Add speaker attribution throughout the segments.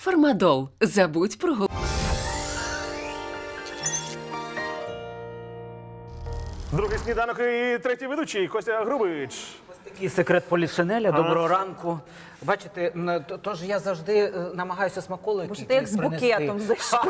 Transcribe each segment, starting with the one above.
Speaker 1: Фармадол. Забудь про голову.
Speaker 2: Другий сніданок і третій ведучий Костя Грубич.
Speaker 3: Такий секрет полішинеля. Доброго ранку. Бачите, тож я завжди намагаюся смаколики.
Speaker 4: Може, ти як з букетом зайшов.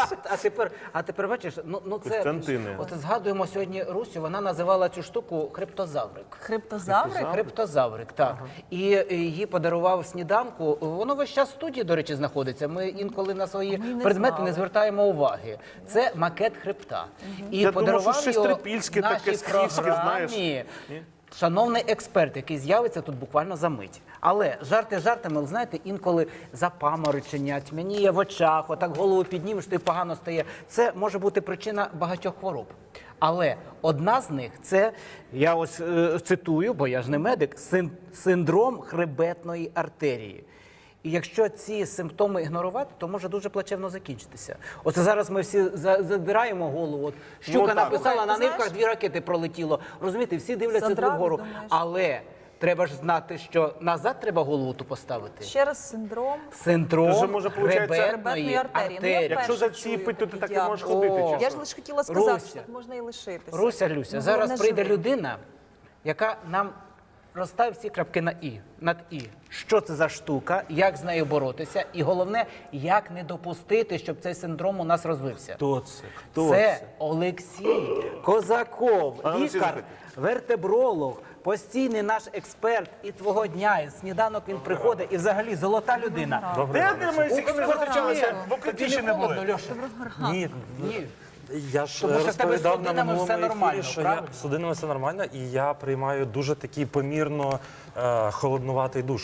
Speaker 3: А тепер бачиш, це
Speaker 2: Костянтини.
Speaker 3: от згадуємо сьогодні Русю. Вона називала цю штуку хрептозаврик.
Speaker 4: Хрептозаврик?
Speaker 3: Хрептозаврик, так. І її подарував сніданку. Воно весь час в студії, до речі, знаходиться. Ми інколи на свої предмети не звертаємо уваги. Це макет хребта. І
Speaker 2: Я думав,
Speaker 3: подарував
Speaker 2: що щось
Speaker 3: його
Speaker 2: трипільське, таке
Speaker 3: нашій
Speaker 2: скіфське, знаєш.
Speaker 3: програмі шановний експерт, який з'явиться тут буквально за мить. Але жарти жартами, але знаєте, інколи запаморочення, тьмяніє в очах, отак голову піднімеш, то й погано стає. Це може бути причина багатьох хвороб. Але одна з них – це, я ось цитую, бо я ж не медик, синдром хребетної артерії. І якщо ці симптоми ігнорувати, то може дуже плачевно закінчитися. Оце зараз ми всі задираємо голову. От щука написала, на нивках 2 ракети пролетіло. Розумієте, всі дивляться туди вгору. Але треба ж знати, що назад треба голову ту поставити.
Speaker 4: Ще раз синдром.
Speaker 3: Синдром
Speaker 2: може, получається,
Speaker 3: хребетної
Speaker 4: артерії. Ну, я
Speaker 3: артерії.
Speaker 2: Якщо за ці пить, то ти так не можеш ходити. чи
Speaker 4: Я
Speaker 2: що?
Speaker 4: ж лише хотіла сказати,
Speaker 3: Руся.
Speaker 4: що так можна і лишитися.
Speaker 3: Руся, Люся,
Speaker 4: Ну,
Speaker 3: зараз
Speaker 4: не
Speaker 3: прийде
Speaker 4: живи.
Speaker 3: людина, яка нам розставить всі крапки на «і», над «і». Що це за штука, як з нею боротися, і головне, як не допустити, щоб цей синдром у нас розвився.
Speaker 2: Хто це? Хто
Speaker 3: Це Олексій Козаков,
Speaker 2: А, ну, всі
Speaker 3: лікар,
Speaker 2: запитують.
Speaker 3: вертебролог, постійний наш експерт і твого дня, і сніданок він приходить, і взагалі золота людина.
Speaker 2: Де ми всі не зустрічалися? В Укритіші не були.
Speaker 3: Холодно, Льоша?
Speaker 5: Ні,
Speaker 3: Ні.
Speaker 5: я ж
Speaker 3: Тому що в тебе з
Speaker 5: розповідав на
Speaker 3: судинами все
Speaker 5: минулому
Speaker 3: нормально,
Speaker 5: ефірі, що
Speaker 3: правильно?
Speaker 5: з судинами все нормально, і я приймаю дуже такий помірно холоднуватий душ.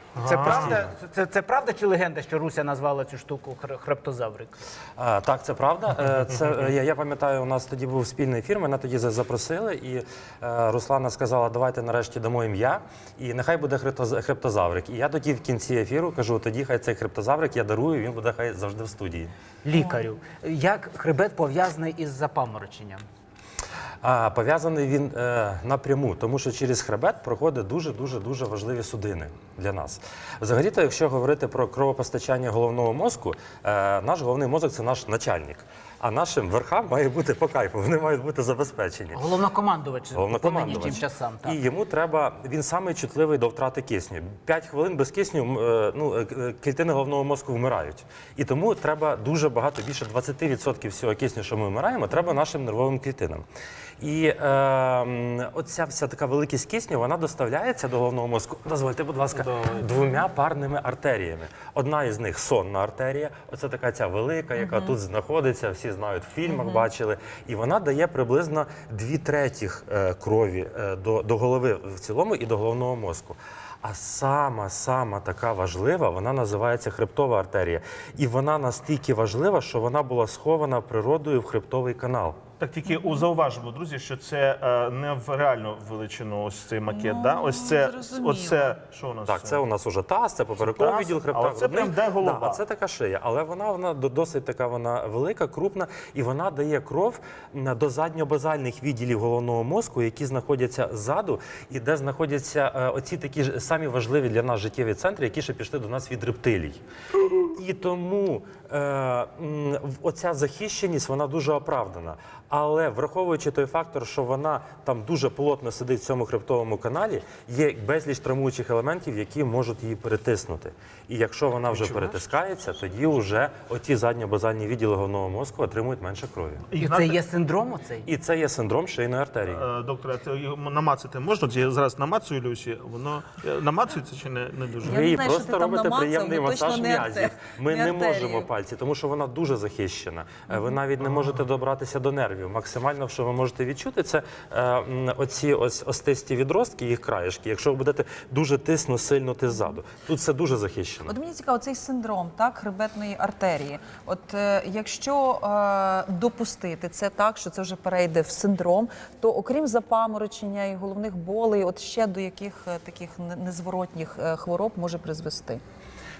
Speaker 3: Це правда чи легенда, що Руся назвала цю штуку хрептозаврик?
Speaker 5: Так, це правда. Я пам'ятаю, у нас тоді був спільний ефір, мене тоді запросили, і Руслана сказала, давайте нарешті дамо ім'я, і нехай буде хрептозаврик. І я тоді в кінці ефіру кажу, тоді хай цей хрептозаврик я дарую, він буде хай завжди в студії.
Speaker 3: Лікарю. Як хребет пов'язаний із запамороченням?
Speaker 5: Пов'язаний він напряму, тому що через хребет проходить дуже важливі судини для нас. Взагалі-то, якщо говорити про кровопостачання головного мозку, наш головний мозок – це наш начальник. А нашим верхам має бути по кайфу, вони мають бути забезпечені.
Speaker 3: Головнокомандувач по нинішнім часам. Так.
Speaker 5: І йому треба, він самий чутливий до втрати кисню. 5 хвилин без кисню клітини головного мозку вмирають. І тому треба дуже багато, більше 20% всього кисню, що ми вмираємо, треба нашим нервовим клітинам. І оця вся така великість кисню, вона доставляється до головного мозку, дозвольте, будь ласка, 2 парними артеріями. Одна із них – сонна артерія, оце така ця велика, яка тут знаходиться, всі знають, в фільмах бачили. І вона дає приблизно 2/3 крові до голови в цілому і до головного мозку. А сама така важлива, вона називається хребтова артерія. І вона настільки важлива, що вона була схована природою в хребтовий канал.
Speaker 2: Так тільки зауважимо, друзі, що це не в реальну величину ось цей макет, да? Ось це, що у нас?
Speaker 5: Так, це у нас уже таз, це поперековий
Speaker 2: Таз,
Speaker 5: відділ хребта.
Speaker 2: а оце прям де голова.
Speaker 5: Да, а це така шия. Але вона досить така велика, крупна, і вона дає кров до задньобазальних відділів головного мозку, які знаходяться ззаду, і де знаходяться оці такі ж самі важливі для нас життєві центри, які ще пішли до нас від рептилій. І тому оця захищеність, вона дуже оправдана. Але враховуючи той фактор, що вона там дуже плотно сидить в цьому хребтовому каналі, є безліч травмуючих елементів, які можуть її перетиснути. І якщо вона вже перетискається, тоді вже оті задньобазальні відділи головного мозку отримують менше крові.
Speaker 3: І це є синдром оцей?
Speaker 5: І це є синдром шийної артерії.
Speaker 2: Доктора, це намацати можна? Я зараз намацую Люсі, воно намацується чи не дуже?
Speaker 5: Ви їй
Speaker 4: знаю, що
Speaker 5: просто
Speaker 4: ти там
Speaker 5: робите
Speaker 4: намацав,
Speaker 5: приємний
Speaker 4: ну, точно
Speaker 5: масаж
Speaker 4: не
Speaker 5: м'язів. Ми
Speaker 4: не
Speaker 5: не
Speaker 4: артерії.
Speaker 5: можемо пальці, тому що вона дуже захищена. Ви навіть не можете добратися до нервів. Максимально, що ви можете відчути, це оці остисті відростки, їх краєшки. Якщо ви будете дуже сильно ззаду. Тут все дуже захищено.
Speaker 4: От мені цікаво, цей синдром, так, хребетної артерії. От якщо допустити це так, що це вже перейде в синдром, то окрім запаморочення і головних болей, от ще до яких таких незворотніх хвороб може призвести?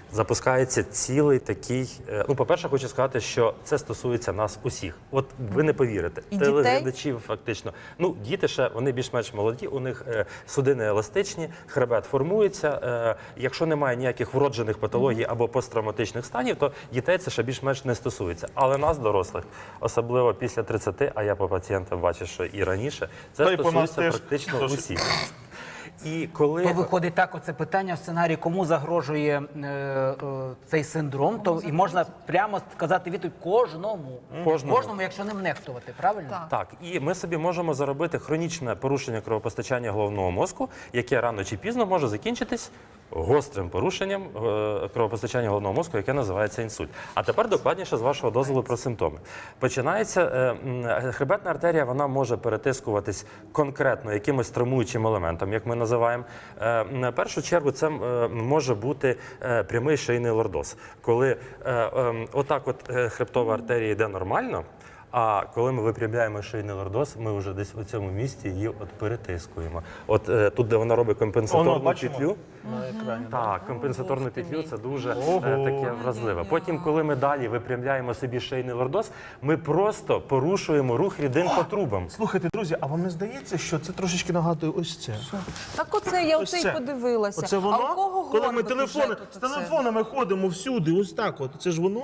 Speaker 5: запускається цілий такий. Ну, по-перше, хочу сказати, що це стосується нас усіх. От ви не повірите,
Speaker 4: І
Speaker 5: телеглядачів фактично. Ну, діти ще вони більш-менш молоді, у них судини еластичні, хребет формується. Якщо немає ніяких вроджених патологій або посттравматичних станів, то дітей це ще більш-менш не стосується. Але нас, дорослих, особливо після 30, а я по пацієнтам бачу, що і раніше, це
Speaker 2: Та й по нас
Speaker 5: стосується
Speaker 2: теж.
Speaker 5: практично
Speaker 2: Тож-
Speaker 5: усіх. І коли
Speaker 3: То виходить так, оце питання в сценарії, кому загрожує цей синдром, то і можна прямо сказати відповідь кожному, якщо ним нехтувати, правильно?
Speaker 4: Так.
Speaker 5: Так, і ми собі можемо заробити хронічне порушення кровопостачання головного мозку, яке рано чи пізно може закінчитись гострим порушенням кровопостачання головного мозку, яке називається інсульт. А тепер докладніше з вашого дозволу про симптоми. Починається хребетна артерія, вона може перетискуватись конкретно якимось травмуючим елементом, як ми називаємо. На першу чергу це може бути прямий шийний лордоз, коли отак от хребтова артерія йде нормально. А коли ми випрямляємо шийний лордоз, ми вже десь у цьому місці її от перетискуємо. От тут, де вона робить компенсаторну
Speaker 2: бачимо
Speaker 5: петлю.
Speaker 2: на екрані.
Speaker 5: Так, компенсаторну петлю це дуже таке вразливе. Потім, коли ми далі випрямляємо собі шийний лордоз, ми просто порушуємо рух рідин по трубам.
Speaker 2: Слухайте, друзі, а вам не здається, що це трошечки нагадує ось це?
Speaker 4: Так оце я
Speaker 2: Ось
Speaker 4: оце
Speaker 2: це.
Speaker 4: й подивилася.
Speaker 2: Оце воно?
Speaker 4: А у кого
Speaker 2: Коли ми
Speaker 4: горбик уже
Speaker 2: телефони,
Speaker 4: тут
Speaker 2: з
Speaker 4: оце?
Speaker 2: телефонами ходимо всюди, ось так от. Це ж воно?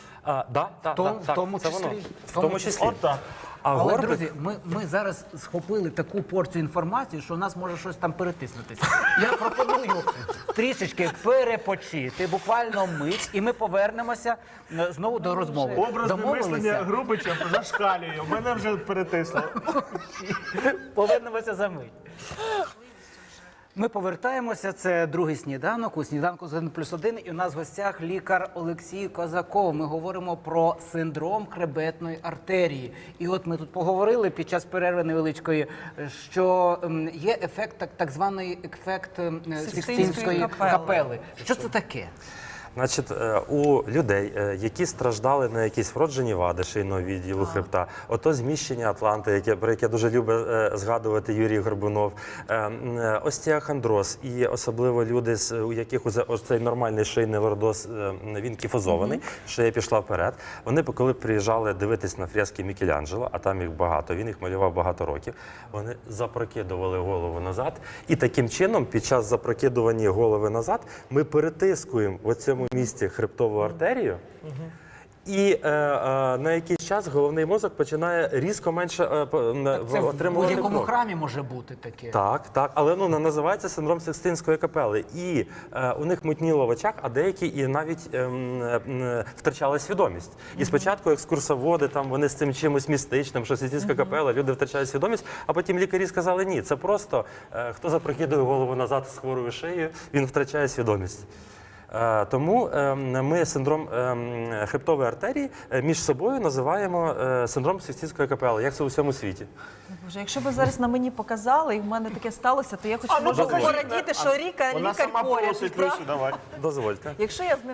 Speaker 3: В тому
Speaker 5: це воно.
Speaker 3: числі.
Speaker 5: В тому числі.
Speaker 2: От так.
Speaker 5: А
Speaker 3: Але,
Speaker 5: горбик,
Speaker 3: друзі, ми зараз схопили таку порцію інформації, що у нас може щось там перетиснутися. Я пропоную трішечки перепочити, буквально мить, і ми повернемося знову до розмови.
Speaker 2: Образне
Speaker 3: Домовилися?
Speaker 2: мислення Грубича зашкалює. Мене вже перетисло.
Speaker 3: Повернемося за мить. Ми повертаємося. Це другий сніданок. У сніданку з 1+1. І у нас в гостях лікар Олексій Козаков. Ми говоримо про синдром хребетної артерії. І от ми тут поговорили під час перерви невеличкої, що є ефект, так званий ефект Сикстинської капели. Що це таке?
Speaker 5: Значить, у людей, які страждали на якісь вроджені вади шийного відділу хребта, ото зміщення Атланти, про яке дуже любить згадувати Юрій Горбунов, остеохондроз і особливо люди, у яких цей нормальний шийний лордоз, він кіфозований, шия пішла вперед. Вони, коли приїжджали дивитись на фрески Мікеланджело, а там їх багато, він їх малював багато років, вони запрокидували голову назад. І таким чином, під час запрокидування голови назад, ми перетискуємо в цьому місці хребтову артерію, і на якийсь час головний мозок починає різко менше
Speaker 3: Це в
Speaker 5: отримувати
Speaker 3: будь-якому
Speaker 5: кров.
Speaker 3: храмі може бути таке.
Speaker 5: Так, але називається синдром Сикстинської капели. І у них мутніло в очах, а деякі і навіть втрачали свідомість. І спочатку екскурсоводи, там вони з цим чимось містичним, що Сикстинська капела, люди втрачають свідомість, а потім лікарі сказали, ні, це просто хто запрокидує голову назад з хворою шиєю, він втрачає свідомість. Тому ми синдром хребтової артерії між собою називаємо синдром Сикстинської капели. Як це у всьому світі?
Speaker 4: Боже, якщо б зараз на мені показали, і в мене таке сталося, то я хоч можу
Speaker 2: покажіть.
Speaker 4: порадіти, що
Speaker 2: Вона
Speaker 4: лікар
Speaker 2: сама
Speaker 4: поряд.
Speaker 2: просить,
Speaker 4: правда?
Speaker 2: Люсю, давай.
Speaker 5: Дозвольте.
Speaker 4: Якщо я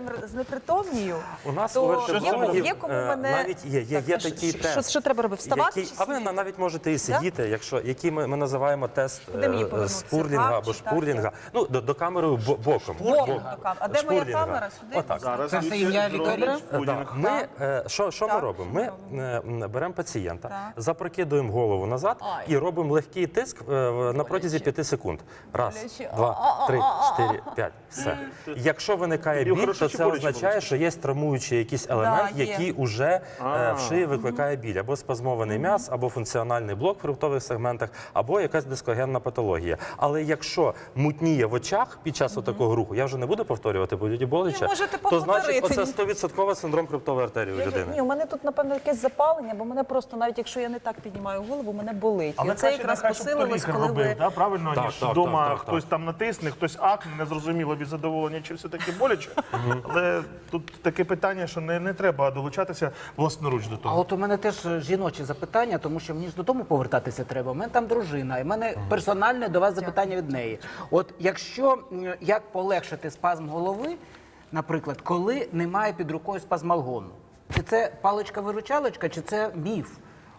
Speaker 5: У
Speaker 4: знепритомнію,
Speaker 5: нас у
Speaker 4: то
Speaker 5: вертебрологів
Speaker 4: є кому мене...
Speaker 5: навіть є
Speaker 4: Так,
Speaker 5: такий
Speaker 4: що-
Speaker 5: тест.
Speaker 4: що треба робити? Вставати
Speaker 5: Який-
Speaker 4: чи
Speaker 5: а ви
Speaker 4: сидіти?
Speaker 5: навіть можете і сидіти, який ми називаємо тест
Speaker 4: Куди мені повернутися?
Speaker 5: спурлінга
Speaker 4: Так
Speaker 5: або
Speaker 4: чи так?
Speaker 5: шпурлінга. Ну, до камери боком.
Speaker 4: Боком до камери. А де моя
Speaker 5: Шпурлінга.
Speaker 4: камера? Сюди?
Speaker 5: Отак.
Speaker 2: Зараз
Speaker 3: Це все
Speaker 2: Люсю
Speaker 3: ім'я
Speaker 2: зробить
Speaker 3: лікаря?
Speaker 2: пудінг.
Speaker 5: Ми, що ми робимо? Ми беремо пацієнта, запрокидуємо голову назад і робимо легкий тиск на протязі 5 секунд. Раз,
Speaker 4: Боляче.
Speaker 5: 2, 3, 4, 5. Все. Якщо виникає
Speaker 2: Тобі
Speaker 5: біль,
Speaker 2: хорошо
Speaker 5: то
Speaker 2: чи
Speaker 5: це
Speaker 2: боляче
Speaker 5: означає,
Speaker 2: було?
Speaker 5: що є травмуючий якийсь елемент,
Speaker 4: є.
Speaker 5: який уже в шиї викликає біль. Або спазмований м'яз, або функціональний блок в хребтових сегментах, або якась дискогенна патологія. Але якщо мутніє в очах під час такого руху, я вже не буду повторювати, бо люди боляче,
Speaker 4: Ні, можете
Speaker 5: то значить
Speaker 4: повторити.
Speaker 5: оце 100% синдром хребтової артерії у людини.
Speaker 4: Ні, у мене тут, напевно, якесь запалення, бо мене просто, навіть якщо я не так піднімаю голову, мене болить. І це якраз посилилось,
Speaker 2: лікар
Speaker 4: коли
Speaker 2: робив,
Speaker 4: ви...
Speaker 2: да? Правильно,
Speaker 5: Так,
Speaker 2: ніж
Speaker 5: так,
Speaker 2: вдома
Speaker 5: так, так,
Speaker 2: хтось там натисне, хтось акне, незрозуміло від задоволення, чи все-таки боляче. Але тут таке питання, що не треба долучатися власноруч до
Speaker 3: А
Speaker 2: того.
Speaker 3: от у мене теж жіночі запитання, тому що мені ж додому повертатися треба. У мене там дружина, і в мене персональне до вас запитання від неї. От якщо як полегшити спазм голови, наприклад, коли немає під рукою спазмалгону? Чи це паличка-виручалочка, чи це міф?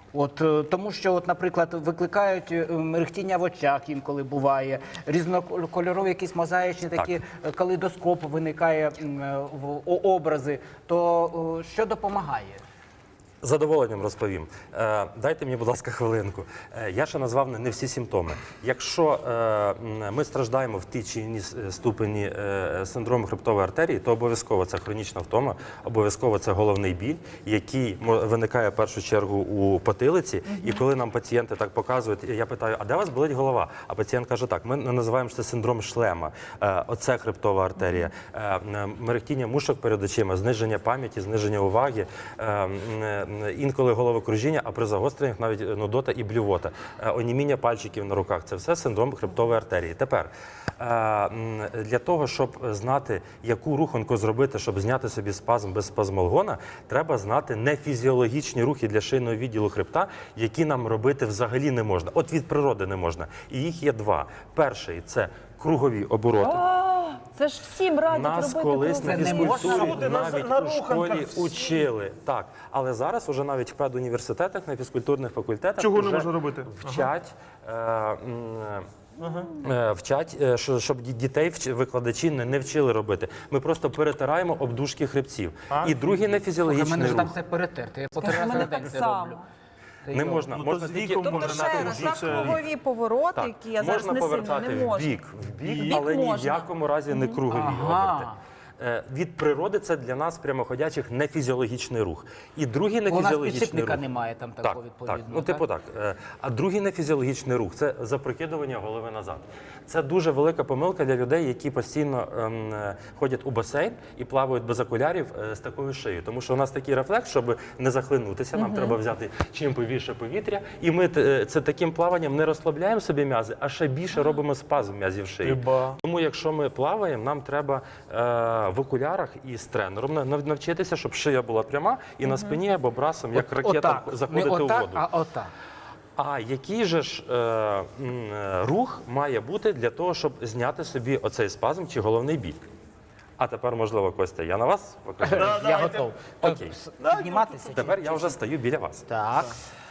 Speaker 3: Тому що, наприклад, викликають мерехтіння в очах інколи буває, різнокольорові якісь мозаїчні такі калейдоскоп виникає образи, то що допомагає?
Speaker 5: З задоволенням розповім. Дайте мені, будь ласка, хвилинку. Я ще назвав не всі симптоми. Якщо ми страждаємо в тій чи іншій ступені синдрому хребтової артерії, то обов'язково це хронічна втома, обов'язково це головний біль, який виникає в першу чергу у потилиці. І коли нам пацієнти так показують, я питаю, а де у вас болить голова? А пацієнт каже, так, ми називаємо це синдром шлема. Оце хребтова артерія. Мерехтіння мушок перед очима, зниження пам'яті, зниження уваги, інколи головокружіння, а при загостреннях навіть нудота і блювота, оніміння пальчиків на руках. Це все синдром хребтової артерії. Тепер, для того, щоб знати, яку руханку зробити, щоб зняти собі спазм без спазмолгона, треба знати нефізіологічні рухи для шийного відділу хребта, які нам робити взагалі не можна. От від природи не можна. І їх є два. Перший – це кругові обороти.
Speaker 4: Це ж всім радять
Speaker 5: Нас
Speaker 4: робити
Speaker 5: колись на
Speaker 4: круги.
Speaker 5: фізкультурі
Speaker 2: на
Speaker 5: навіть у
Speaker 2: руханках
Speaker 5: школі
Speaker 2: всі.
Speaker 5: учили. Так, але зараз уже навіть в педуніверситетах, на фізкультурних факультетах
Speaker 2: Чого не
Speaker 5: вже
Speaker 2: можна робити?
Speaker 5: вчать. Вчать, щоб дітей викладачі не вчили робити. Ми просто перетираємо обдушки хребців. І другий
Speaker 3: У мене
Speaker 5: нефізіологічний
Speaker 3: ж там
Speaker 5: рух.
Speaker 3: все перетерте, я по
Speaker 4: Скажи,
Speaker 3: 3
Speaker 4: в
Speaker 3: рази
Speaker 4: мене
Speaker 3: на день
Speaker 4: так
Speaker 3: це
Speaker 4: само.
Speaker 3: роблю.
Speaker 5: Не можна.
Speaker 2: Ну,
Speaker 5: Можна
Speaker 2: то з
Speaker 5: тільки
Speaker 2: віком
Speaker 4: Тобто
Speaker 2: може
Speaker 4: ще раз,
Speaker 2: нати
Speaker 4: так,
Speaker 2: це-
Speaker 4: кругові повороти,
Speaker 5: Так,
Speaker 4: які я зараз
Speaker 5: можна
Speaker 4: не сильно
Speaker 5: повертати
Speaker 4: не можу.
Speaker 5: в бік,
Speaker 4: Бік
Speaker 5: але ні в
Speaker 4: можна.
Speaker 5: якому разі не кругові оберти. Від природи це для нас прямоходячих нефізіологічний рух. І другий
Speaker 3: У нас
Speaker 5: нефізіологічний
Speaker 3: підшипника
Speaker 5: рух.
Speaker 3: немає там такого відповідно.
Speaker 5: Так, ну типу так. А другий нефізіологічний рух це запрокидування голови назад. Це дуже велика помилка для людей, які постійно ходять у басейн і плавають без окулярів з такою шиєю. Тому що у нас такий рефлекс, щоб не захлинутися, нам треба взяти чим повіше повітря. І ми це таким плаванням не розслабляємо собі м'язи, а ще більше робимо спазм м'язів шиї. Тому якщо ми плаваємо, нам треба в окулярах і з тренером навчитися, щоб шия була пряма і на спині або брасом, як ракета, заходити у воду.
Speaker 3: А отак.
Speaker 5: А який же ж рух має бути для того, щоб зняти собі оцей спазм чи головний біль? А тепер, можливо, Костя, я на вас покажу.
Speaker 3: Я готов.
Speaker 5: Окей.
Speaker 3: Підніматися? чи-
Speaker 5: Тепер я вже стою біля вас.
Speaker 3: Так.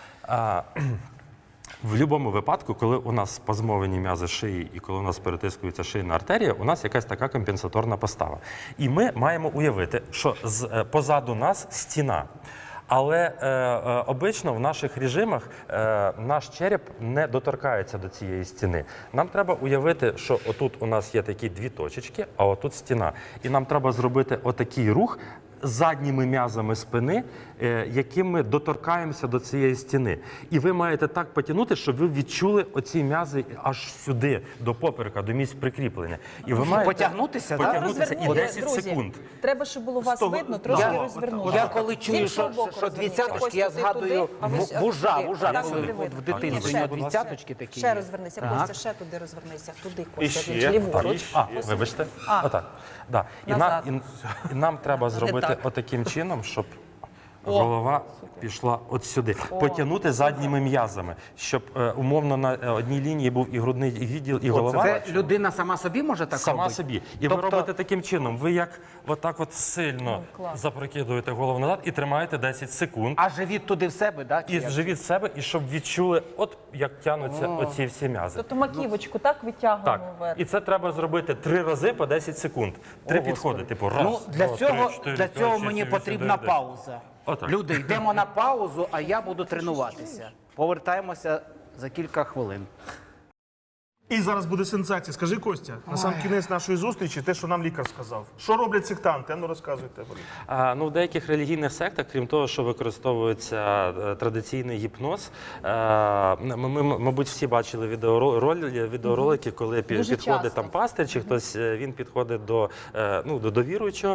Speaker 5: В будь-якому випадку, коли у нас спазмовані м'язи шиї і коли у нас перетискується шийна артерія, у нас якась така компенсаторна постава. І ми маємо уявити, що позаду нас стіна. Але обично в наших режимах наш череп не доторкається до цієї стіни. Нам треба уявити, що отут у нас є такі дві точечки, а отут стіна. І нам треба зробити отакий рух задніми м'язами спини, яким ми доторкаємося до цієї стіни. І ви маєте так потягнути, щоб ви відчули оці м'язи аж сюди, до поперека, до місць прикріплення. І ви маєте
Speaker 3: Потягнутися, так?
Speaker 5: потягнутися і
Speaker 4: Розверніть,
Speaker 5: 10
Speaker 4: друзі.
Speaker 5: секунд.
Speaker 4: Треба, щоб було вас
Speaker 2: того-
Speaker 4: видно, трошки
Speaker 2: Я-
Speaker 4: розвернути.
Speaker 3: Я коли чую,
Speaker 4: З іншого боку
Speaker 3: що
Speaker 4: розверніть.
Speaker 3: двадцяточки,
Speaker 4: Ось
Speaker 3: я
Speaker 4: туди,
Speaker 3: згадую
Speaker 4: туди, а ви ще
Speaker 3: вужа,
Speaker 4: туди. Так,
Speaker 3: коли
Speaker 4: туди
Speaker 3: от
Speaker 4: видно.
Speaker 3: в дитинстві
Speaker 4: Ні,
Speaker 3: у нього
Speaker 4: ще.
Speaker 3: двадцяточки такі.
Speaker 4: Ще
Speaker 3: є.
Speaker 4: розвернися,
Speaker 3: Так.
Speaker 4: Костя, ще туди розвернися. Туди,
Speaker 2: І
Speaker 4: Костя,
Speaker 2: ще.
Speaker 4: чи ліворуч.
Speaker 5: Вибачте.
Speaker 4: А.
Speaker 5: Отак. Да.
Speaker 4: Назад.
Speaker 5: І нам треба зробити
Speaker 4: так.
Speaker 5: отаким чином, щоб голова пішла от сюди. Потягнути задніми м'язами, щоб умовно на одній лінії був і грудний відділ, і голова.
Speaker 3: Це людина сама собі може так
Speaker 5: Сама
Speaker 3: робити?
Speaker 5: собі. І ви
Speaker 3: Тобто-
Speaker 5: робите таким чином. Ви як отак от сильно запрокидуєте голову назад і тримаєте 10 секунд.
Speaker 3: А живіт туди в себе, так?
Speaker 5: І живіть себе, і щоб відчули, от як тягнуться оці всі м'язи.
Speaker 4: Тобто маківочку так витягуємо
Speaker 5: Так,
Speaker 4: вверх.
Speaker 5: і це треба зробити 3 рази по 10 секунд. 3 підходи, типу раз,
Speaker 3: Ну, для
Speaker 5: два,
Speaker 3: цього,
Speaker 5: 3, 4,
Speaker 3: для
Speaker 5: 5,
Speaker 3: цього
Speaker 5: 6,
Speaker 3: мені
Speaker 5: 7,
Speaker 3: потрібна
Speaker 5: 8, 9, 10.
Speaker 3: пауза.
Speaker 5: Отак.
Speaker 3: Люди, йдемо на паузу, а я буду тренуватися. Повертаємося за кілька хвилин.
Speaker 2: І зараз буде сенсація. Скажи, Костя, на сам кінець нашої зустрічі, те, що нам лікар сказав. Що роблять сектанти? Ну розказуйте.
Speaker 5: Ну, в деяких релігійних сектах, крім того, що використовується традиційний гіпноз, ми, мабуть, всі бачили відеоролики, коли
Speaker 4: Дуже
Speaker 5: підходить
Speaker 4: часто.
Speaker 5: там пастир, чи хтось він підходить до віруючого,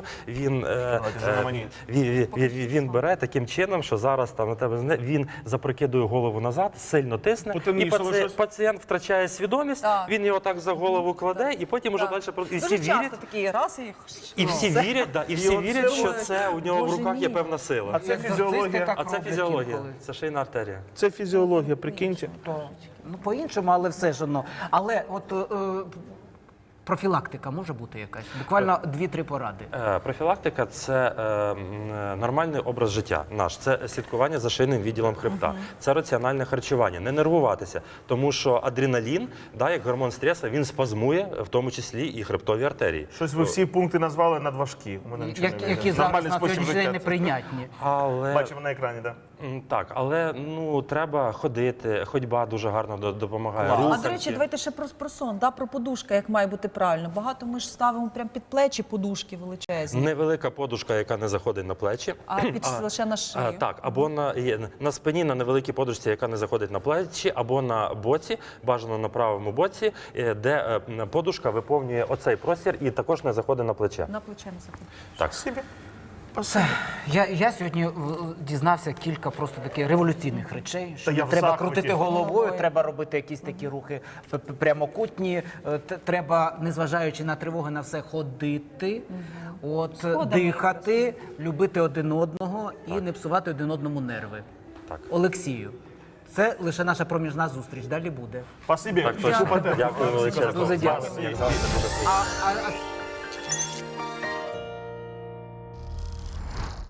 Speaker 5: він бере таким чином, що зараз там на тебе він запрокидує голову назад, сильно тисне, і
Speaker 2: Потемнішало щось?
Speaker 5: пацієнт втрачає свідомість,
Speaker 4: Так.
Speaker 5: він його так за голову кладе, і потім уже
Speaker 4: Так.
Speaker 5: далі і всі
Speaker 4: Дуже
Speaker 5: вірять.
Speaker 4: часто такі раз
Speaker 5: І всі вірять, і всі вірять, що це у нього в
Speaker 4: Боже
Speaker 5: руках є
Speaker 4: мій.
Speaker 5: певна сила.
Speaker 2: А це фізіологія.
Speaker 5: А це фізіологія, це шийна артерія.
Speaker 2: Це фізіологія, прикиньте.
Speaker 3: Ну, по-іншому, але все ж одно. Але от Профілактика може бути якась? Буквально 2-3 поради.
Speaker 5: Профілактика це нормальний образ життя наш. Це слідкування за шийним відділом хребта, це раціональне харчування, не нервуватися, тому що адреналін, да, як гормон стресу, він спазмує, в тому числі і хребтові артерії.
Speaker 2: Щось ви всі пункти назвали надважкі. У мене нічого не вийде.
Speaker 3: Які зараз
Speaker 2: Нормальний
Speaker 3: на
Speaker 2: спосіб
Speaker 3: сьогоднішній день
Speaker 2: життя.
Speaker 3: неприйнятні.
Speaker 5: Але
Speaker 2: Бачимо на екрані, так.
Speaker 5: так, але ну треба ходити. Ходьба дуже гарно допомагає.
Speaker 4: А
Speaker 5: Руханки.
Speaker 4: до речі, давайте ще про сон, да, про подушка, як має бути правильно. Багато ми ж ставимо прямо під плечі подушки величезні,
Speaker 5: Невелика подушка, яка не заходить на плечі.
Speaker 4: а під лише на шию.
Speaker 5: Так, або на спині на невеликій подушці, яка не заходить на плечі, або на боці, бажано на правому боці, де подушка виповнює оцей простір і також не заходить на плече.
Speaker 4: На плече не заходить.
Speaker 5: Так.
Speaker 2: Собі.
Speaker 3: Я сьогодні дізнався кілька просто таких революційних речей, що
Speaker 2: Та
Speaker 3: не
Speaker 2: я в
Speaker 3: треба
Speaker 2: захваті.
Speaker 3: крутити головою, треба робити якісь такі рухи прямокутні, треба, незважаючи на тривоги, на все ходити, дихати, любити один одного і не псувати один одному нерви.
Speaker 5: Так.
Speaker 3: Олексію, це лише наша проміжна зустріч, далі буде.
Speaker 2: Спасибі.
Speaker 5: Так, точно.
Speaker 2: Дякую.
Speaker 5: Дякую величезно.
Speaker 3: Дуже дякую.
Speaker 2: Спасибі.
Speaker 5: Як завжди, дуже приємно.
Speaker 3: А